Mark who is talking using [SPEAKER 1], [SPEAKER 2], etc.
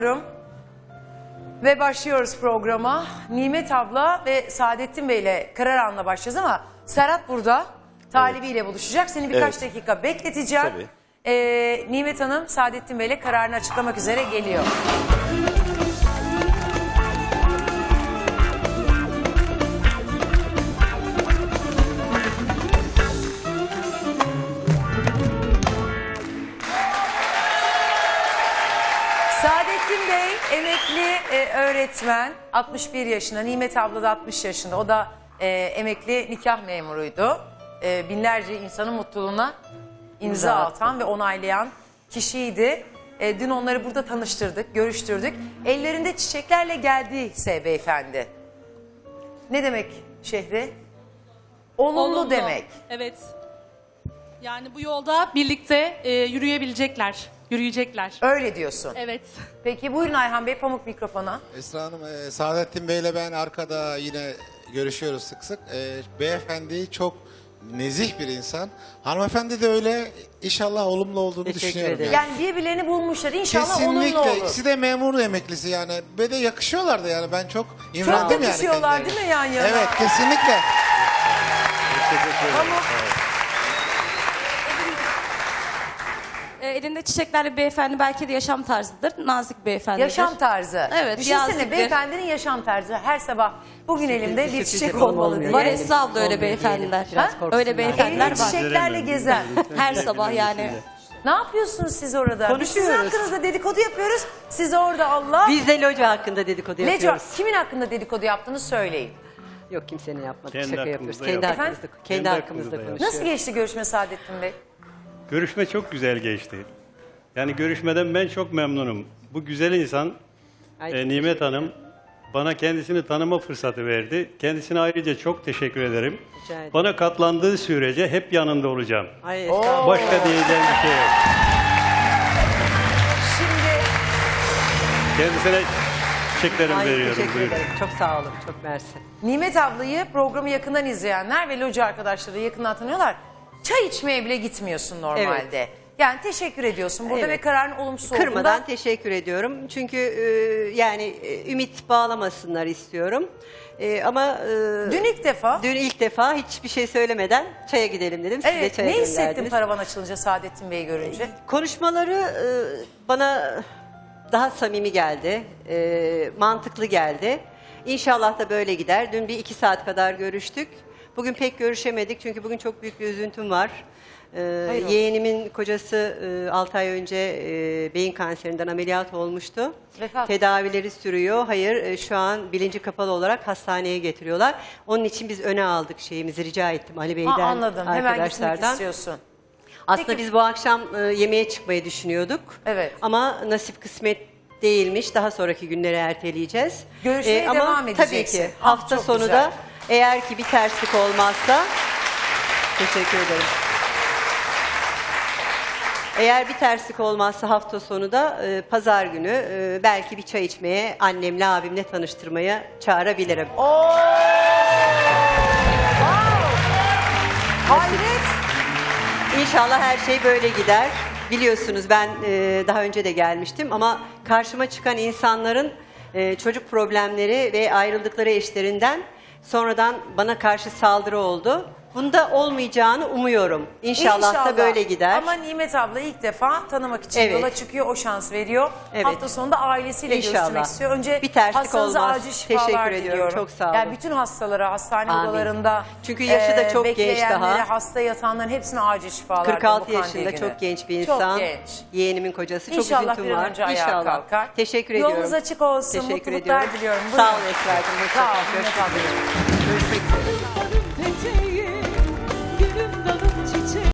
[SPEAKER 1] Ve başlıyoruz programa. Nimet abla ve Saadettin Bey ile karar anına başlayacağız ama Serhat burada talibiyle buluşacak. Seni birkaç dakika bekleteceğim.
[SPEAKER 2] Tabii.
[SPEAKER 1] Nimet Hanım Saadettin Bey ile kararını açıklamak üzere geliyor. Saadettin Bey emekli öğretmen, 61 yaşında, Nimet abla da 60 yaşında. O da emekli nikah memuruydu. Binlerce insanın mutluluğuna imza atan ve onaylayan kişiydi. Dün onları burada tanıştırdık, görüştürdük. Ellerinde çiçeklerle geldiyse beyefendi. Ne demek Şehri? Olumlu demek.
[SPEAKER 3] Evet. Yani bu yolda birlikte yürüyecekler.
[SPEAKER 1] Öyle diyorsun.
[SPEAKER 3] Evet.
[SPEAKER 1] Peki buyurun Ayhan Bey, pamuk mikrofona.
[SPEAKER 4] Esra Hanım, Saadettin Bey'le ben arkada yine görüşüyoruz sık sık. Beyefendi çok nezih bir insan. Hanımefendi de öyle, inşallah olumlu olduğunu düşünüyorum.
[SPEAKER 5] ederim.
[SPEAKER 1] Yani birbirlerini bulmuşlar. İnşallah
[SPEAKER 4] Kesinlikle.
[SPEAKER 1] olumlu olur.
[SPEAKER 4] İkisi de memur emeklisi yani. Ve de yakışıyorlar da yani. Ben çok imrendim
[SPEAKER 1] Çok
[SPEAKER 4] yani.
[SPEAKER 1] yakışıyorlar
[SPEAKER 4] kendilerine.
[SPEAKER 1] değil mi yan yana?
[SPEAKER 4] Evet, kesinlikle.
[SPEAKER 1] Pamuk.
[SPEAKER 6] Elinde çiçeklerle bir beyefendi, belki de yaşam tarzıdır. Nazik bir beyefendidir.
[SPEAKER 1] Yaşam tarzı.
[SPEAKER 6] Evet,
[SPEAKER 1] Düşünsene
[SPEAKER 6] yazlıktır.
[SPEAKER 1] beyefendinin yaşam tarzı. Her sabah bugün elimde bir çiçek olmalı diye.
[SPEAKER 6] Var Esra abla, öyle beyefendiler. Öyle beyefendiler
[SPEAKER 1] Elinde
[SPEAKER 6] var.
[SPEAKER 1] çiçeklerle gezer.
[SPEAKER 6] Her sabah yani.
[SPEAKER 1] Ne yapıyorsunuz siz orada? Biz sizin
[SPEAKER 5] Konuşuyoruz.
[SPEAKER 1] hakkınızda dedikodu yapıyoruz. Siz orada Allah.
[SPEAKER 5] Biz de loca hakkında dedikodu
[SPEAKER 1] Neco,
[SPEAKER 5] yapıyoruz.
[SPEAKER 1] kimin hakkında dedikodu yaptığını söyleyin.
[SPEAKER 5] Yok, kimsenin yapmadık.
[SPEAKER 2] Kendi
[SPEAKER 5] Şaka
[SPEAKER 2] hakkımızda
[SPEAKER 5] yapıyoruz. Kendi
[SPEAKER 2] yaptık.
[SPEAKER 5] hakkımızda,
[SPEAKER 1] Efendim?
[SPEAKER 5] kendi
[SPEAKER 2] Kendi
[SPEAKER 5] hakkımızda
[SPEAKER 2] hakkımızda
[SPEAKER 5] konuşuyoruz.
[SPEAKER 1] Nasıl geçti görüşme Saadettin Bey?
[SPEAKER 2] Görüşme çok güzel geçti. Yani görüşmeden ben çok memnunum. Bu güzel insan
[SPEAKER 5] Ay,
[SPEAKER 2] Nimet Hanım bana kendisini tanıma fırsatı verdi. Kendisine ayrıca çok teşekkür ederim.
[SPEAKER 5] Rica ederim.
[SPEAKER 2] Bana katlandığı sürece hep yanında olacağım.
[SPEAKER 5] Ay estağfurullah.
[SPEAKER 2] Başka diyeceğim bir şey yok.
[SPEAKER 1] Şimdi
[SPEAKER 2] Kendisine çiçeklerimi
[SPEAKER 5] Ay,
[SPEAKER 2] veriyorum.
[SPEAKER 5] teşekkür
[SPEAKER 2] Buyurun.
[SPEAKER 5] ederim. Çok sağ olun. Çok mersi.
[SPEAKER 1] Nimet ablayı programı yakından izleyenler ve loca arkadaşları yakından tanıyorlar. Çay içmeye bile gitmiyorsun normalde. Yani teşekkür ediyorsun burada
[SPEAKER 5] Evet.
[SPEAKER 1] ve kararın olumsuz
[SPEAKER 5] Kırmadan
[SPEAKER 1] olduğunda.
[SPEAKER 5] teşekkür ediyorum. Çünkü yani ümit bağlamasınlar istiyorum. Ama
[SPEAKER 1] Dün ilk defa.
[SPEAKER 5] dün ilk defa hiçbir şey söylemeden çaya gidelim dedim. Siz de
[SPEAKER 1] Evet,
[SPEAKER 5] çaya
[SPEAKER 1] ne hissettin
[SPEAKER 5] gönderdiniz.
[SPEAKER 1] paravan açılınca Saadettin Bey'i görünce?
[SPEAKER 5] Konuşmaları bana daha samimi geldi, mantıklı geldi. İnşallah da böyle gider. Dün bir 2 saat kadar görüştük. Bugün pek görüşemedik çünkü bugün çok büyük bir üzüntüm var.
[SPEAKER 1] Hayır olsun.
[SPEAKER 5] Yeğenimin kocası 6 ay önce beyin kanserinden ameliyat olmuştu.
[SPEAKER 1] Vefat.
[SPEAKER 5] Tedavileri sürüyor. Hayır, şu an bilinci kapalı olarak hastaneye getiriyorlar. Onun için biz öne aldık şeyimizi, rica ettim Ali Bey'den,
[SPEAKER 1] Anladım. Hemen gitmek
[SPEAKER 5] arkadaşlardan.
[SPEAKER 1] istiyorsun.
[SPEAKER 5] Aslında
[SPEAKER 1] Peki-
[SPEAKER 5] biz bu akşam yemeğe çıkmayı düşünüyorduk.
[SPEAKER 1] Evet.
[SPEAKER 5] Ama nasip kısmet değilmiş. Daha sonraki günlere erteleyeceğiz.
[SPEAKER 1] Görüşmeye
[SPEAKER 5] Ama
[SPEAKER 1] devam
[SPEAKER 5] tabii
[SPEAKER 1] edeceksin.
[SPEAKER 5] ki
[SPEAKER 1] Ah,
[SPEAKER 5] hafta
[SPEAKER 1] çok
[SPEAKER 5] sonu
[SPEAKER 1] güzel.
[SPEAKER 5] da eğer ki bir terslik olmazsa teşekkür ederim. Eğer bir terslik olmazsa hafta sonu da pazar günü belki bir çay içmeye, annemle abimle tanıştırmaya çağırabilirim.
[SPEAKER 1] Oo! Wow! Hayret!
[SPEAKER 5] İnşallah her şey böyle gider. Biliyorsunuz ben daha önce de gelmiştim ama karşıma çıkan insanların çocuk problemleri ve ayrıldıkları eşlerinden sonradan bana karşı saldırı oldu. Bunda olmayacağını umuyorum. İnşallah da böyle gider.
[SPEAKER 1] Ama Nimet abla ilk defa tanımak için
[SPEAKER 5] Evet.
[SPEAKER 1] yola çıkıyor, o şans veriyor.
[SPEAKER 5] Evet.
[SPEAKER 1] Hafta sonunda ailesiyle
[SPEAKER 5] İnşallah.
[SPEAKER 1] görüşmek istiyor. Önce
[SPEAKER 5] Bir terslik
[SPEAKER 1] hastanıza
[SPEAKER 5] olmaz.
[SPEAKER 1] acil şifalar
[SPEAKER 5] Teşekkür ediyorum,
[SPEAKER 1] diliyorum.
[SPEAKER 5] çok sağ olun.
[SPEAKER 1] Yani bütün hastalara, hastane
[SPEAKER 5] Amin.
[SPEAKER 1] odalarında
[SPEAKER 5] Çünkü yaşı da çok genç
[SPEAKER 1] bekleyenlere,
[SPEAKER 5] daha.
[SPEAKER 1] hasta yatanların hepsine acil şifalar.
[SPEAKER 5] 46
[SPEAKER 1] bu kandil
[SPEAKER 5] yaşında
[SPEAKER 1] günü.
[SPEAKER 5] çok genç bir insan.
[SPEAKER 1] Çok genç.
[SPEAKER 5] Yeğenimin kocası. Çok
[SPEAKER 1] İnşallah
[SPEAKER 5] üzüntüm
[SPEAKER 1] bir an
[SPEAKER 5] var.
[SPEAKER 1] önce ayağa
[SPEAKER 5] İnşallah.
[SPEAKER 1] kalkar.
[SPEAKER 5] Teşekkür
[SPEAKER 1] Yolunuz
[SPEAKER 5] ediyorum.
[SPEAKER 1] açık olsun,
[SPEAKER 5] Teşekkür
[SPEAKER 1] mutluluklar
[SPEAKER 5] ediyorum.
[SPEAKER 1] diliyorum.
[SPEAKER 5] Sağ
[SPEAKER 1] Buyurun.
[SPEAKER 5] olun Esra'cığım.
[SPEAKER 1] Sağ olun
[SPEAKER 5] Hoşça kalın.
[SPEAKER 1] Nimet ablacığım.
[SPEAKER 5] Görüşmek üzere.